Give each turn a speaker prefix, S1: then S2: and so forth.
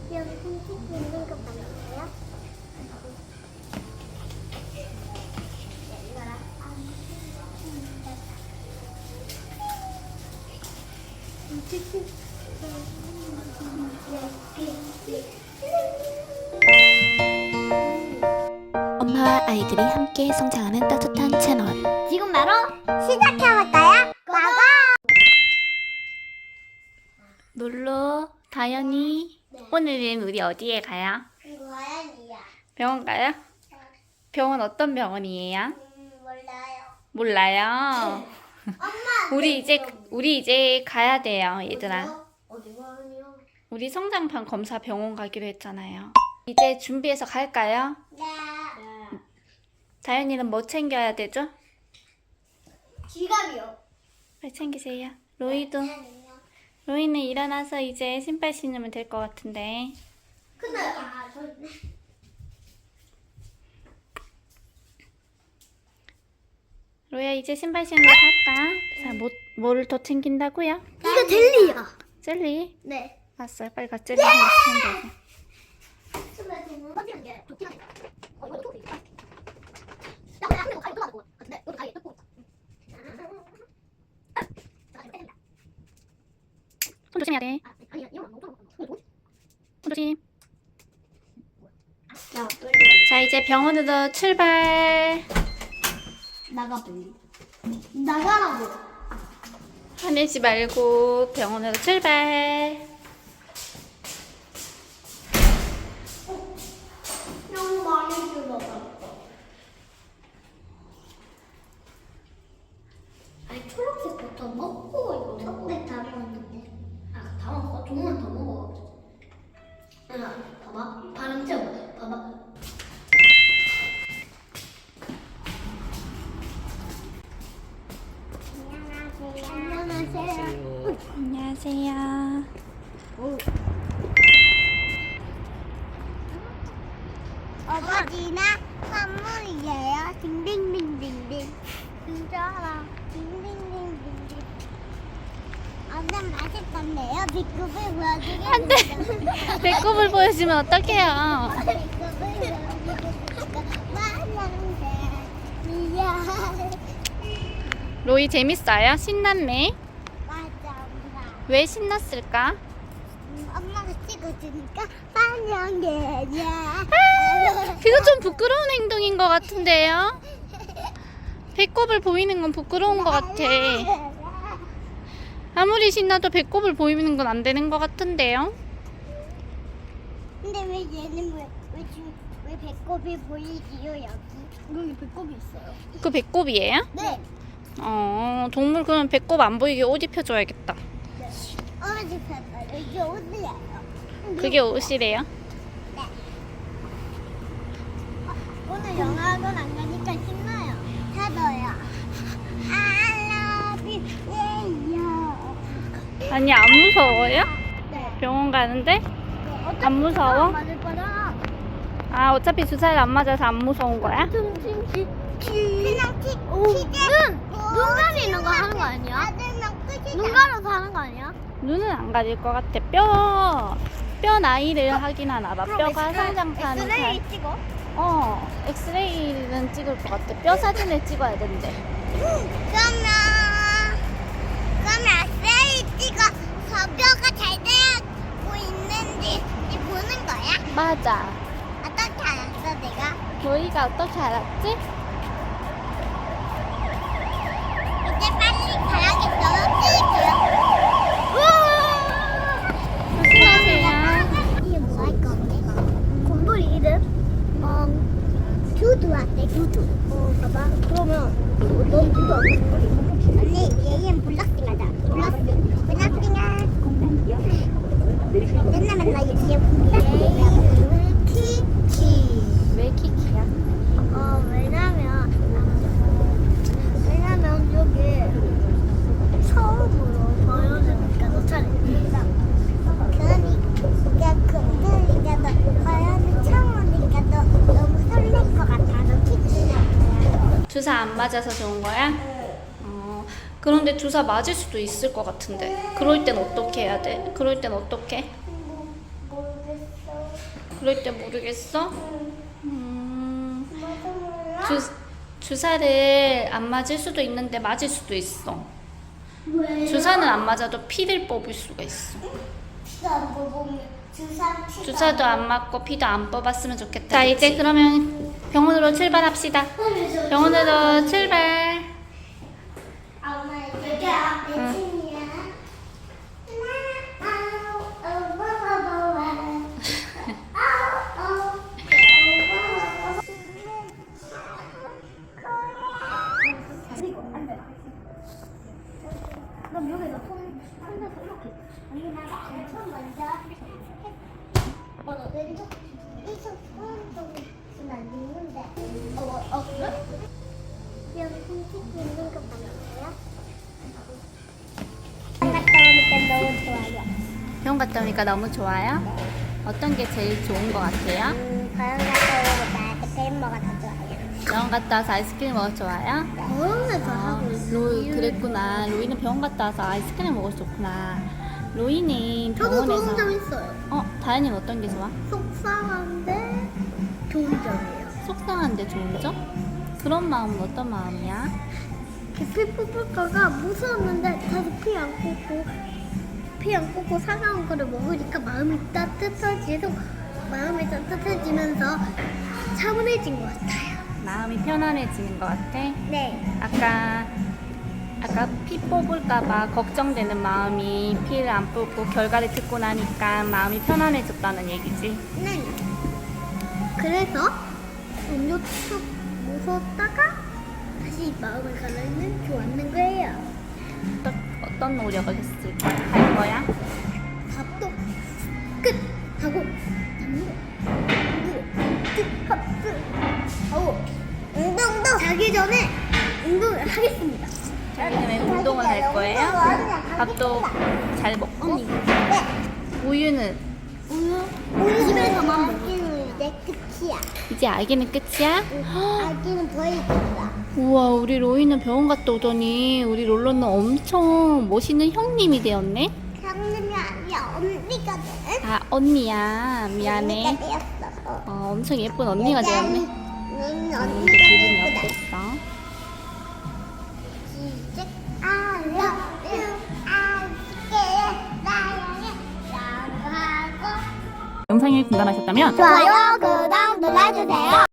S1: 여기 손짓 있는 거 맞나요?
S2: 엄마와 아이들이 함께 성장하는 따뜻한 채널.
S1: 지금 바로 시작해볼까요? 고고!
S2: 놀러 다현이.
S1: 네.
S2: 오늘은 우리 어디에 가요?
S1: 고양이야.
S2: 병원 가요? 병원 어떤 병원이에요?
S1: 몰라요.
S2: 몰라요.
S1: 엄마!
S2: 우리 이제 가야 돼요, 얘들아.
S1: 어디 가요?
S2: 우리 성장판 검사 병원 가기로 했잖아요. 이제 준비해서 갈까요?
S1: 네.
S2: 다현이는 뭐 챙겨야 되죠?
S1: 지갑이요.
S2: 빨리 챙기세요. 로이는 일어나서 이제 신발 신으면 될 것 같은데.
S1: 근데
S2: 로이야, 이제 신발 신으러 갈까? 자, 뭐를 더 챙긴다고요?
S1: 이거 젤리야.
S2: 젤리?
S1: 네.
S2: 알았어요. 빨리 가. 젤리 하나 챙겨. 손 조심해야 돼. 손 조심. 자, 이제 병원으로 출발.
S1: 나가 빨리. 나가라고.
S2: 화내지 말고 병원으로 출발.
S1: 너무 많이 들어가. 아니 초록색부터 먹고 이거 초록색 다 먹었는데. 아, 다 먹어? 조금만 더 먹어. 야, 봐봐. 바람 쐬고. 봐봐. 안녕하세요.
S2: 안녕하세요.
S1: 어버지나 선물이에요. 딩딩딩딩딩. 진짜라. 딩딩딩딩딩. 완전 맛있던데요. 비급을 보여주겠습니다.
S2: 안 돼. 배꼽을 보여주면 어떡해요?
S1: 비급을 보여주겠습니다. 만난데 미안.
S2: 로이 재밌어요? 신났네?
S1: 맞아, 엄마.
S2: 왜 신났을까?
S1: 엄마가 찍어주니까 환영해야.
S2: 그거 좀 부끄러운 행동인 것 같은데요? 배꼽을 보이는 건 부끄러운 것 같아. 아무리 신나도 배꼽을 보이는 건 안 되는 것 같은데요?
S1: 근데 왜 얘는 왜 배꼽이 보이지요 여기? 여기 배꼽이 있어요.
S2: 그 배꼽이에요?
S1: 네.
S2: 동물 그러면 배꼽 안 보이게 옷 입혀줘야겠다.
S1: 어디 폈다. 이게 어디예요?
S2: 그게 옷이래요?
S1: 네. 오늘 영화학원 안 가니까 신나요. 저도요. I love you.
S2: 아니, 안 무서워요?
S1: 네.
S2: 병원 가는데?
S1: 어차피
S2: 안 무서워?
S1: 맞을 거라.
S2: 아, 어차피 주사를 안 맞아서 안 무서운 거야?
S1: 그냥 눈 가리는 거 하는 거 아니야? 눈 가려서 하는 거 아니야?
S2: 눈은 안 가릴 것 같아. 뼈 나이를 하긴 하나 봐. 뼈가 성장판을 잘.
S1: 찍어?
S2: 엑스레이는 찍을 것 같아. 뼈 사진을 찍어야 된대.
S1: 그러면 엑스레이 찍어서 뼈가 잘 되고 있는지 보는 거야?
S2: 맞아.
S1: 어떻게 알았어 내가?
S2: 로이가 어떻게 알았지?
S1: 이제 빨리 가야겠어. 찍을게요.
S2: 조심하세요.
S1: 이게 뭐 할 건데? 곰돌이 이름? 두두한테 두두. 봐봐. 그러면 넌 두두 언니 얘는 블락킹 하자. 블락킹아. 맨날 얘 블락킹. 키키.
S2: 왜 키키야?
S1: 왜냐면 여기 처음으로 보여주니까 너 차례니까. 그러니까 그러니까 너 보여준 처음이니까 너 너무 설렐 것 같아서 키키야.
S2: 주사 안 맞아서 좋은 거야? 그런데 주사 맞을 수도 있을 것 같은데. 그럴 땐 어떻게 해야 돼? 그럴 땐 어떻게?
S1: 모르겠어.
S2: 그럴 때 모르겠어?
S1: 맞아 몰라?
S2: 주사를 안 맞을 수도 있는데 맞을 수도 있어.
S1: 왜?
S2: 주사는 안 맞아도 피를 뽑을 수가 있어.
S1: 피도 안 뽑으면
S2: 주사도 안 맞고 피도 안 뽑았으면 좋겠다. 자, 이제 그러면 병원으로 출발합시다. 병원으로 출발.
S1: 엄마 이게 내 친이야. 그럼 여기다 손에서 이렇게 여기다가 엄청 먼저 왼쪽 이쪽 오른쪽은 안 있는데 그래? 여기 손짓 있는 거 보여요?
S2: 병원 갔다 오니까 너무 좋아요. 어떤 게 제일 좋은 것 같아요?
S1: 병원 갔다 오고 나 아이스크림 먹어 더 좋아요.
S2: 병원 갔다 와서 아이스크림 먹어 좋아요?
S1: 병원에서 하고 있어요.
S2: 그랬구나. 로이는 병원 갔다 와서 아이스크림 먹어서 좋구나. 로이는
S1: 저도
S2: 병원에서
S1: 좋은 점 있어요.
S2: 다현이는 어떤 게 좋아?
S1: 속상한데 좋은 점이에요.
S2: 속상한데 좋은 점? 그런 마음은 어떤 마음이야?
S1: 피 뽑을까가 무서웠는데 다시 피 안 꽂고 사과한 거를 먹으니까 마음이 따뜻해지면서 차분해진 것 같아요.
S2: 마음이 편안해지는 것 같아?
S1: 네.
S2: 아까 피 뽑을까봐 걱정되는 마음이 피를 안 뽑고 결과를 듣고 나니까 마음이 편안해졌다는 얘기지.
S1: 네. 그래서 음료 쭉 무서웠다가 다시 마음을 가라앉는 좋았는 거예요.
S2: 어떤 노력을 할 거야?
S1: 밥도 끝 하고 하고 운동도 자기 전에 운동을 하겠습니다.
S2: 자기 전에 운동을 할 거예요? 밥도 잘 먹고?
S1: 네.
S2: 우유는?
S1: 우유 집에서만 먹기는 이제 끝이야.
S2: 이제 아기는 끝이야?
S1: 아기는 더 있다.
S2: 우와, 우리 로이는 병원 갔다 오더니 우리 롤러는 엄청 멋있는 형님이 되었네?
S1: 형님이 아니야 언니가 돼.
S2: 아, 언니야. 미안해.
S1: 언니가 되었어.
S2: 엄청 예쁜 언니가 되었네.
S1: 언니가
S2: 기분이
S1: 예쁘다.
S2: 어땠어?
S1: 시작. I love you. 아쉽게 나영이 라고 하고
S2: 영상이 궁금하셨다면
S1: 좋아요 구독 눌러주세요.